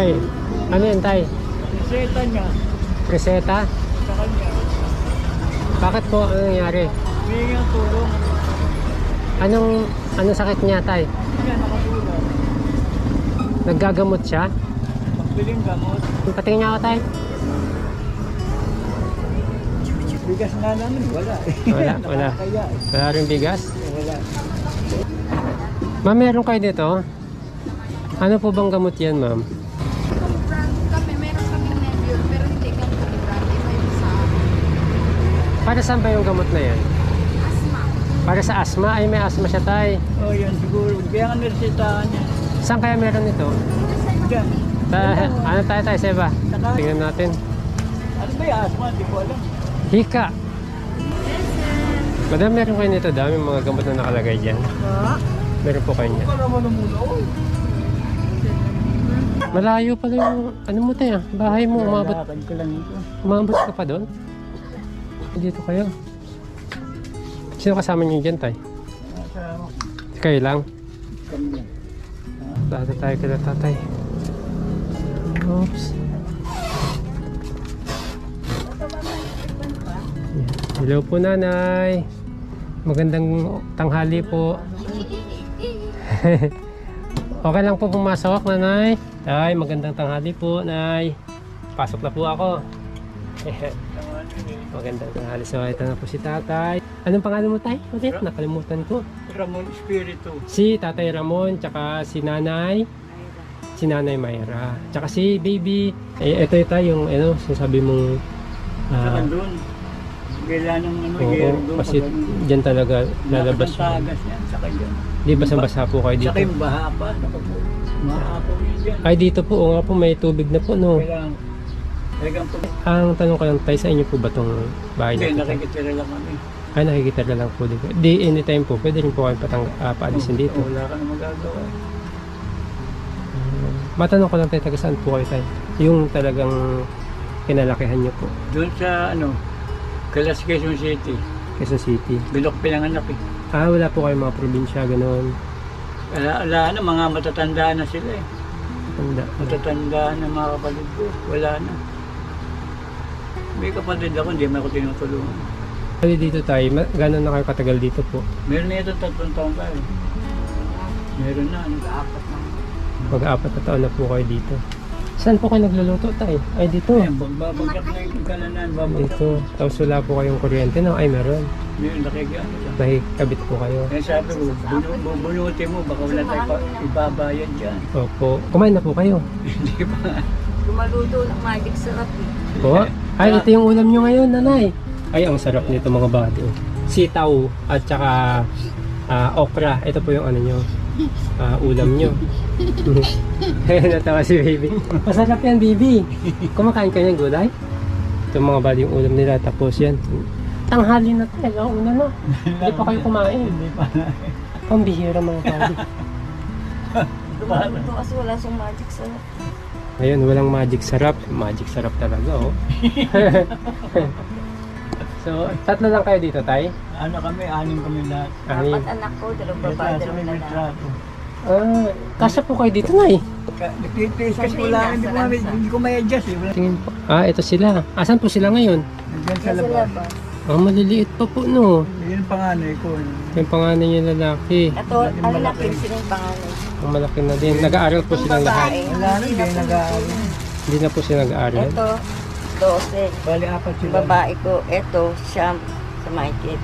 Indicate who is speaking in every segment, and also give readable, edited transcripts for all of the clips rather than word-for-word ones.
Speaker 1: Ay, ano yun, tay?
Speaker 2: Reseta niya.
Speaker 1: Reseta?
Speaker 2: Sa kanya.
Speaker 1: Bakit po? Ano nangyari?
Speaker 2: Humingi ang tulong.
Speaker 1: Anong sakit niya, tay?
Speaker 2: Hindi niya nakatulong.
Speaker 1: Naggagamot siya?
Speaker 2: Pagbiling gamot.
Speaker 1: Patingin niya ako, tay.
Speaker 2: Bigas nga namin, wala.
Speaker 1: Wala.
Speaker 2: Nakakaya.
Speaker 1: Wala rin bigas?
Speaker 2: Wala.
Speaker 1: Ma'am, meron kayo dito? Ano po bang gamot yan, ma'am?
Speaker 3: Kung brand kami, meron kaming Nebule, pero hindi kami brand. Iba yung sa
Speaker 1: Para saan ba yung gamot na yan?
Speaker 3: asthma.
Speaker 1: Para sa asthma? Ay, may asthma siya, tay.
Speaker 2: Oh, yan siguro. Kaya nga niresetahan niya.
Speaker 1: Saan kaya meron ito?
Speaker 2: Diyan.
Speaker 1: Ano tayo, Seba?
Speaker 2: Saka-
Speaker 1: Tingnan natin.
Speaker 2: Ano ba yung asma? Hindi ko alam.
Speaker 1: Hika. Madam, meron kayo nito. Daming mga gamot na nakalagay dyan. Meron po kayo niyan.
Speaker 2: Para mo namuno.
Speaker 1: Malayo pala yung, ano mo tayo, bahay mo.
Speaker 2: Lakad ko lang ito.
Speaker 1: Umabot ka pa doon? Dito kayo. Sino kasama niyo dyan, tay?
Speaker 2: Nasa
Speaker 1: Kayo lang?
Speaker 2: kanya.
Speaker 1: Dati tayo kila tatay. Oops. Yan. Hello po, nanay. Magandang tanghali po. Okay lang po pumasok, nanay. Ay, magandang tanghali po, nay. Pasok na po ako. Magandang tanghali. So, ito na po si tatay. Anong pangalan mo, tay? Ulit, nakalimutan ko.
Speaker 2: Ramon Espiritu.
Speaker 1: Si tatay Ramon, tsaka si nanay Mayra, tsaka si baby. Eh, ito yung ano, sinasabi mong
Speaker 2: Saka doon. Kailan ng ano,
Speaker 1: oo,
Speaker 2: yero doon.
Speaker 1: kasi dyan talaga lalabas
Speaker 2: Ang tagas yan. Saka dyan.
Speaker 1: di basang-basa po kayo
Speaker 2: Saka
Speaker 1: dito.
Speaker 2: yung baha pa. Saka po. Maapaw yun dyan.
Speaker 1: Ay, dito po, oo nga po, may tubig na po, no.
Speaker 2: Kailangan. Talagang po.
Speaker 1: Ang tanong ko lang tayo, sa inyo po ba tong bahay na
Speaker 2: Hindi,
Speaker 1: ito?
Speaker 2: nakikitira lang kami.
Speaker 1: Ay, nakikita na lang po dito. Di, anytime po, pwede rin po kayo paalisin dito.
Speaker 2: Wala ka na magagawa.
Speaker 1: Matanong ko lang tayo, taga saan po kayo tayo? Yung talagang kinalakihan nyo po,
Speaker 2: Doon sa ano, Calas Quezon City.
Speaker 1: Quezon City.
Speaker 2: Bilok pinanganak eh.
Speaker 1: Ah, wala po kayong mga probinsya, gano'n.
Speaker 2: Wala na, mga matatanda na sila eh.
Speaker 1: Tanda.
Speaker 2: Matatanda na mga kapatid ko. Wala na. May kapatid ako, hindi man ako tinutulungan.
Speaker 1: Kali dito tayo, gano'n na kayo katagal dito po?
Speaker 2: Meron na ito 3 taon pa eh. Meron na, nag-aapat na.
Speaker 1: Mag-apat na taon na po kayo dito. Saan po kayo nagluluto tayo? Ay, dito.
Speaker 2: Ayan, babagsak na yung kalanan, babagsak.
Speaker 1: Dito. Tapos wala po kayong kuryente, no? Ay, meron.
Speaker 2: Meron nakikiyano lang.
Speaker 1: Nakikabit po kayo.
Speaker 2: Kaya sabi ko, bubunutin mo, baka wala tayo ibabayan dyan.
Speaker 1: Opo. Kumain na po kayo.
Speaker 2: Hindi ba?
Speaker 3: Lumaluto ng magic sarap eh.
Speaker 1: Po? Ay, ito yung ulam nyo ngayon, nanay. Ay, ang sarap nito mga body. Sitaw at saka okra. Ito po yung ano nyo. Ulam nyo. Natawa si baby. Masarap yan, baby. Kumakain ka ng gulay? Ito mga body yung ulam nila. Tapos yan. Tanghali na talaga. Una na. Hindi pa kayo kumain.
Speaker 2: Hindi pa.
Speaker 1: Pambihira mga body.
Speaker 3: Lumaluto kasi wala siyang magic sarap.
Speaker 1: Ayun, walang magic sarap. Magic sarap talaga, oh. So, 3 lang kayo dito, tay?
Speaker 2: Ano kami, 6 kami lahat.
Speaker 1: Anim.
Speaker 3: 4 anak ko, 2
Speaker 2: Ito,
Speaker 3: babae,
Speaker 2: sa
Speaker 3: 2
Speaker 2: may
Speaker 3: lalaki.
Speaker 2: trato.
Speaker 1: Kasya po kayo dito, nay.
Speaker 2: Nagtitiis kasi wala, hindi ko may adjust eh. Wala.
Speaker 1: Tingin po. Ito sila. Asan po sila ngayon?
Speaker 2: Nandiyan sa
Speaker 3: Sa
Speaker 2: labas.
Speaker 3: labas.
Speaker 1: Maliliit pa po, no.
Speaker 2: Yun ang panganay ko.
Speaker 1: Yung panganay niya lalaki.
Speaker 3: Ito, ang laki sila yung pangalan.
Speaker 1: Ang malaki na din. Nag-aaral po silang lahat.
Speaker 2: Wala na, hindi nag-aaral.
Speaker 1: Hindi na po sila nag-aaral.
Speaker 3: Ito, 12.
Speaker 2: Bali, 4 sila.
Speaker 3: Babae ko, ito, siyam sa Mikey.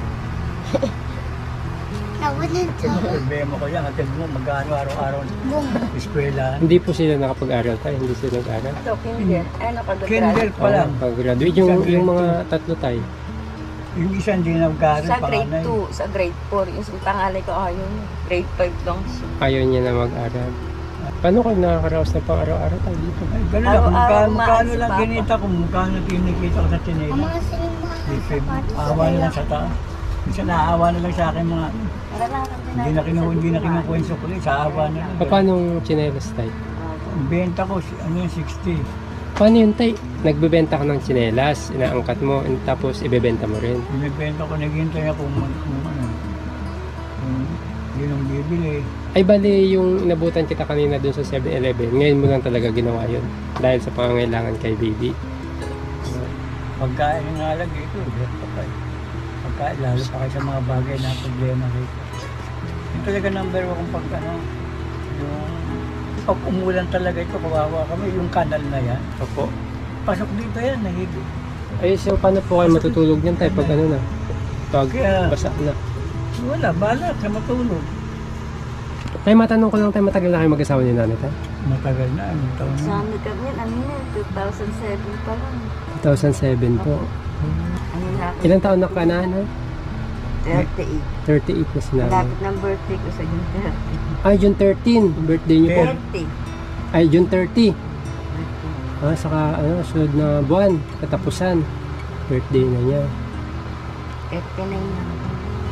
Speaker 2: Problema ko yan, hatid mo, mag-ano araw-araw. Eskwela.
Speaker 1: Hindi po sila nakapag-aral tayo. Hindi sila nag-aaral.
Speaker 3: Ito, kinder. Ay,
Speaker 2: Kinder pa lang.
Speaker 1: Pag-graduate. Yung mga 3 tayo.
Speaker 2: Yung isa hindi nag-aaral,
Speaker 3: Sa grade
Speaker 2: panganay.
Speaker 3: 2, sa grade 4. Yung sa pangalan ko, ayaw niya. Grade 5 lang siya.
Speaker 1: Ayaw niya na mag-aral. Paano kayo nakakaraos na pang araw-araw tayo dito?
Speaker 2: Ay, ganun lang, kung
Speaker 3: Araw-araw
Speaker 2: magkano
Speaker 3: umalis
Speaker 2: lang
Speaker 3: si Papa.
Speaker 2: kinita ko, magkano kinikita ko sa tinela. Awa na lang sa taas. Minsan naawa na lang sa akin mga, hindi na kinukuha yung sukli, sa awa na lang.
Speaker 1: Paano tsinelas tayo?
Speaker 2: Ang benta ko, ano yung 60.
Speaker 1: Paano yun tayo? Nagbebenta ka ng tsinelas, inaangkat mo, tapos ibebenta mo rin.
Speaker 2: Binibenta ko, naghihintay ako kung ano. yun ang bibili.
Speaker 1: Ay bali yung inabutan kita kanina dun sa 7-Eleven, ngayon mo lang talaga ginawa yun dahil sa pangangailangan kay baby.
Speaker 2: Pagkain nga lang dito, pagkain, lalo pa kayo sa mga bagay na problema rito. Yung talaga number one kung pag ano, yung pag umulan talaga ito, kawawa kami, yung kanal na yan.
Speaker 1: Opo.
Speaker 2: Pasok dito yan, nahigit.
Speaker 1: Ay so paano po kayo matutulog niyan tayo pag ano na? Pag
Speaker 2: Kaya-
Speaker 1: basa na.
Speaker 2: Wala, balat sa matulog.
Speaker 1: Tay, matanong ko lang tayo, matagal na kayo mag-asawa ni nanay tayo?
Speaker 2: Matagal na, anong taon na.
Speaker 4: Sa amin kami, ano yun, 2007 pa lang.
Speaker 1: 2007 po.
Speaker 4: Ano na ako,
Speaker 1: Ilang taon na ka na?
Speaker 4: 38.
Speaker 1: 38 na si nanay.
Speaker 4: Malapit ng birthday ko sa June 30.
Speaker 1: Ay, June 13, birthday niyo po.
Speaker 4: 30.
Speaker 1: Ay, June 30. Ah, saka ano, sunod na buwan, katapusan. Birthday na niya.
Speaker 4: 39 na ako.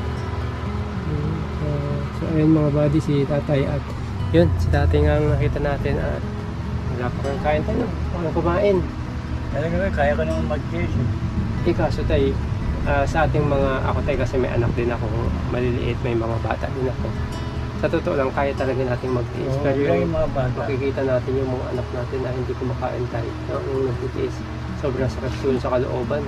Speaker 1: So ayun mga buddy, si tatay at yun, si tatay nga ang nakita natin at wala pa kang kain tayo. Wala kumain.
Speaker 2: Talaga ba, kaya ka naman mag-chase.
Speaker 1: Kaso tay, sa ating mga, ako tay kasi may anak din ako, maliliit, may mga bata din ako. Sa totoo lang, kaya talaga natin magtiis.
Speaker 2: Oo,
Speaker 1: Pero
Speaker 2: kaya
Speaker 1: yung
Speaker 2: yung mga bata.
Speaker 1: makikita natin yung mga anak natin na hindi kumakain tayo, no? Yung nagtitiis, sobrang sakit yun sa kalooban.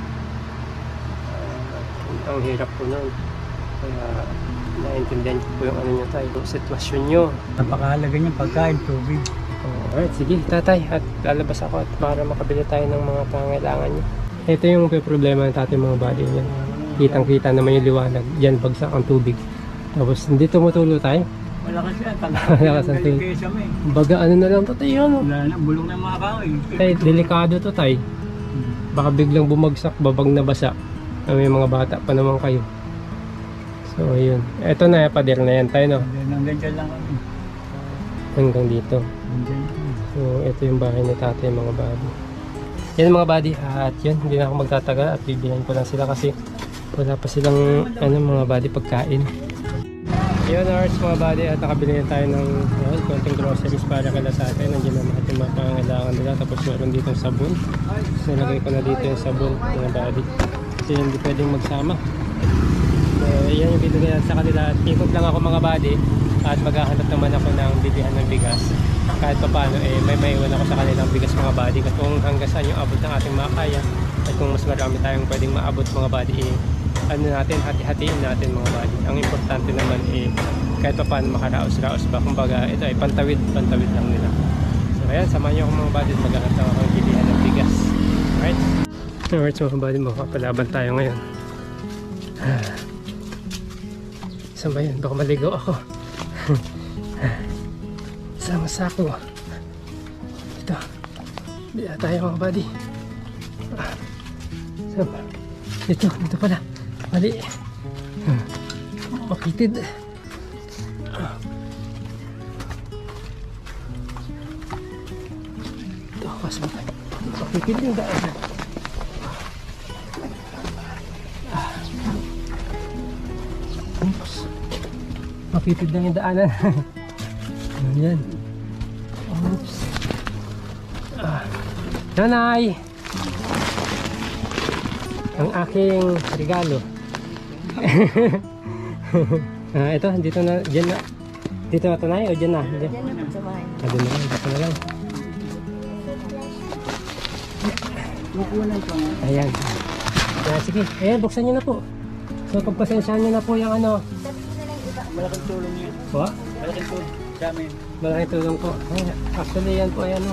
Speaker 1: Ang hirap po nun. Kaya naintindihan ko po yung ano nyo tayo, yung sitwasyon nyo.
Speaker 2: Napakahalaga niyang pagkain, tubig.
Speaker 1: Alright, sige tatay, at lalabas ako at para makabili tayo ng mga pangailangan nyo. Ito yung problema ng tatay mga body niya. Kitang-kita naman yung liwanag, yan bagsak ang tubig. Tapos hindi tumutulo tayo.
Speaker 2: Malakas yan,
Speaker 1: Malakas ang tubig.
Speaker 2: kaysa may.
Speaker 1: Baga ano na lang to tayo, ano?
Speaker 2: Wala na, bulong na mga kahoy.
Speaker 1: Tay, delikado to tay. Baka biglang bumagsak, babag na basa. May mga bata pa naman kayo. So ayun, eto na, pader na yan tayo, no?
Speaker 2: Hanggang dyan lang kami.
Speaker 1: Hanggang dito.
Speaker 2: Hanggang dyan.
Speaker 1: So ito yung bahay ni tatay mga buddy. Yan mga buddy, at yun, hindi na ako magtatagal at bibihan ko lang sila kasi wala pa silang ano mga buddy pagkain. Yun ours mga buddy, at nakabili na tayo ng konting groceries para kala sa atin. Nandiyan na lahat yung mga pangangailangan nila. Tapos meron dito yung sabon. Nilagay ko na dito yung sabon mga buddy kasi hindi pwedeng magsama. So yan yung binigay sa kanila. Ikot lang ako mga buddy at maghahanap naman ako ng bilihan ng bigas. Kahit pa paano may maiwan ako sa kanilang bigas mga buddy. At kung hanggang saan yung abot ng ating makakaya at kung mas marami tayong pwedeng maabot mga buddy, ano natin, hati-hatiin natin mga buddy. Ang importante naman kahit pa paano makaraos-raos ba. Kumbaga ito ay pantawid lang nila. So ayan, samahan nyo ako mga buddy at maghahanap ako ng bilihan ng bigas. Alright? Alright, so mga buddy, makapalaban tayo ngayon. Saan ba yun? Baka maligaw ako. Sama sa ako. Ito. Bila tayo mga buddy. Saan ba? Dito pala. Mali. Makitid. Ito, pasok tayo. Makitid yung daan. Oops. Makitid lang yung daanan. Ayan. Oops. Nanay! Ang aking regalo. Ito, dito na, dyan na. Dito na tanay o dyan na? Dyan.
Speaker 4: Yan na sa bahay.
Speaker 1: Doon na lang, dito na lang.
Speaker 2: Kukunan ko nga.
Speaker 1: Ayan. Sige, ayan, buksan nyo na po. So, pagpasensyahan nyo na po yung ano.
Speaker 2: Malaking tulong yan.
Speaker 1: Po?
Speaker 2: Malaking tulong sa amin.
Speaker 1: Malaking tulong po. Ayan, actually, yan po, ayan o.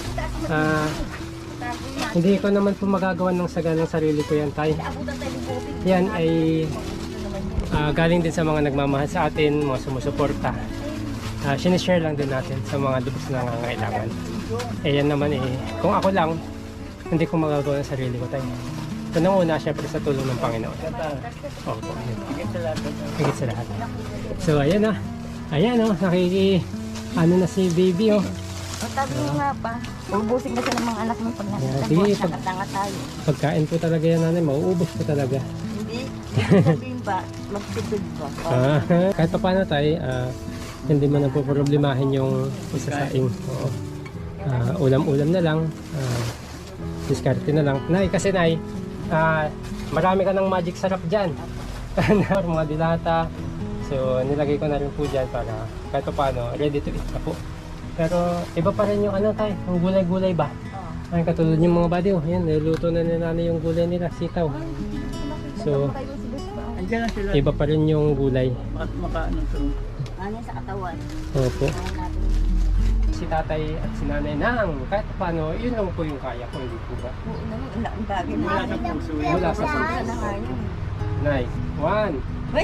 Speaker 1: Hindi ko naman po magagawa ng saga ng sarili ko yan tayo. Yan ay galing din sa mga nagmamahal sa atin, mga sumusuporta. Sinishare lang din natin sa mga lubos na nangangailangan. Yan naman kung ako lang, hindi ko magagawa ng sarili ko tayo. Unang-una, syempre sa tulong ng Panginoon. Opo, yun. Higit sa lahat. So ayan na. Ayan o, ano na si baby o.
Speaker 4: Sabi mo nga pa, ubusin kasi ng mga anak mo pag
Speaker 1: Yeah,
Speaker 4: nasa
Speaker 1: sige,
Speaker 4: nakatanga tayo.
Speaker 1: Pagkain po talaga yan nanay, mauubos po talaga.
Speaker 4: Hindi sabihin pa, magtipid pa.
Speaker 1: Kahit pa paano tayo, hindi mo na po problemahin yung isasaing. Oo. Ulam-ulam na lang, diskarte na lang. Nay, kasi nay, marami ka ng magic sarap dyan. Mga dilata, So, nilagay ko na rin po dyan para kahit pa paano, ready to eat na po. Pero, iba pa rin yung ano tayo, yung gulay-gulay ba? Ay, katulad yung mga buddy, oh. Ayan, niluluto na nanay yung gulay nila, sitaw. So,
Speaker 2: Andiyan lang sila.
Speaker 1: iba pa rin yung gulay.
Speaker 2: Makaano to.
Speaker 4: Ano sa katawan?
Speaker 1: Opo.
Speaker 4: Kaya natin.
Speaker 1: Si tatay at si nanay nang kahit paano, yun lang po yung kaya ko, hindi po ba?
Speaker 4: Oo naman, ang bagay na.
Speaker 2: Wala sa puso yun.
Speaker 1: Wala sa
Speaker 4: Wala na nga yun.
Speaker 1: Nay, 1,
Speaker 4: Ay!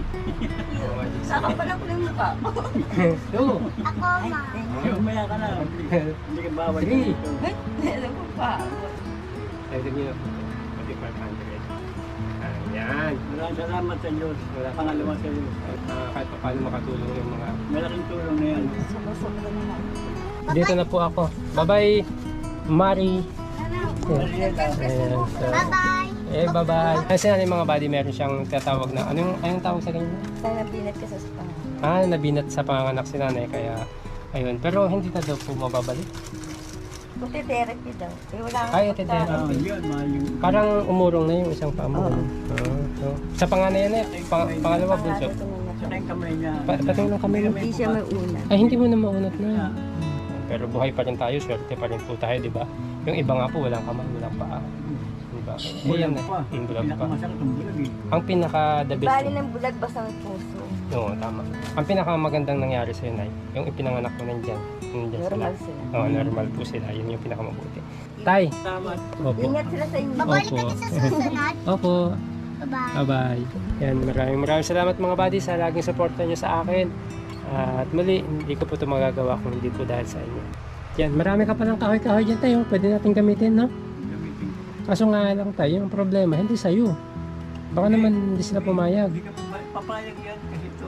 Speaker 4: Saka pa lang ko yung mukha.
Speaker 1: 2,
Speaker 4: Ay, thank you.
Speaker 2: Umaya ka na. Hindi ka bawal.
Speaker 1: Three.
Speaker 4: Ay, alam mo pa.
Speaker 1: Ay, ganyan. Pati 500. Ayan.
Speaker 2: Maraming salamat sa Diyos. Pangalawa sa Diyos.
Speaker 1: Kahit pa paano makatulong yung mga...
Speaker 2: Malaking tulong na yan.
Speaker 4: Sobra-sobra naman.
Speaker 1: Dito na po ako. Bye-bye, Mari.
Speaker 2: Mariela.
Speaker 1: Ayan. So, bye-bye. Kasi yung mga buddy, meron siyang tatawag na... Anong tawag sa ganyan?
Speaker 4: Sana pinat ka sa spa.
Speaker 1: Nabinat sa panganak si nanay. Kaya, ayun. Pero hindi na daw po mababalik.
Speaker 4: Buti therapy daw. Eh, wala akong
Speaker 1: Ay,
Speaker 4: pagkain.
Speaker 2: Yun, mahal yung...
Speaker 1: Parang umurong na yung isang paa mo.
Speaker 4: Oo.
Speaker 1: So, sa panganay yan pangalawa bunso.
Speaker 4: Pangalan ko na
Speaker 2: Saka yung kamay niya.
Speaker 1: Pati lang kami.
Speaker 4: Hindi siya may una.
Speaker 1: Ay, hindi mo na maunat na. Pero buhay pa rin tayo, swerte pa rin po tayo, di ba? Yung iba nga po, walang kamay, walang paa. Di ba?
Speaker 2: Bulag
Speaker 1: Ayan
Speaker 2: pa.
Speaker 1: bulag pa.
Speaker 2: Pinakamasakit ang bulag eh.
Speaker 1: Ang pinaka-the best.
Speaker 4: Bali ng bulag basta may puso.
Speaker 1: Oo, tama. Ang pinakamagandang nangyari sa'yo, Nay, yung ipinanganak mo nandyan. Nandyan sila.
Speaker 4: Normal sila.
Speaker 1: Oo, normal po sila. Yun yung pinakamabuti. Tay!
Speaker 2: Salamat.
Speaker 1: Opo.
Speaker 4: Ingat sila sa inyo.
Speaker 1: Opo. Opo. Bye-bye. Yan, maraming salamat mga buddy sa laging suporta nyo sa akin. At muli, hindi ko po ito magagawa kung hindi po dahil sa inyo. Yan, marami ka palang kahoy-kahoy dyan tayo. Pwede natin gamitin, no?
Speaker 2: Gamitin ko.
Speaker 1: Kaso nga lang tayo, yung problema, hindi sa'yo. Baka naman hindi sila pumayag.
Speaker 2: Hindi ka papayag yan kasi ito,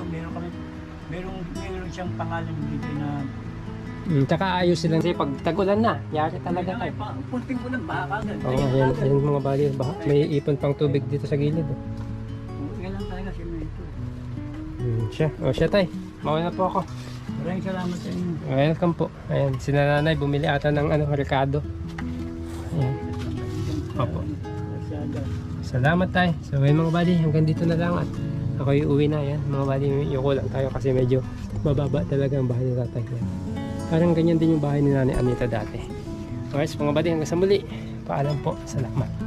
Speaker 2: meron siyang pangalan dito na
Speaker 1: Tsaka ayos silang kasi pag tagulan na, yari talaga tayo.
Speaker 2: punting ko ng baka agad.
Speaker 1: Oo, yan mga buddy. Baka may ipon pang tubig dito sa gilid. Oh.
Speaker 2: Yan lang talaga simento.
Speaker 1: Siya tay. Mawala na po ako.
Speaker 2: Maraming salamat sa inyo.
Speaker 1: Welcome po. Ayan, si nanay bumili ata ng Ricardo. Ayan. Opo. Salamat tayo. So ayun mga buddy, hanggang dito na lang at ako uwi na. Yan mga buddy, yuko lang tayo kasi medyo mababa talaga ang bahay ni tatay. Yan. Parang ganyan din yung bahay ni nanay Anita dati. Alright, mga buddy, hanggang sa muli. Paalam po. Salamat.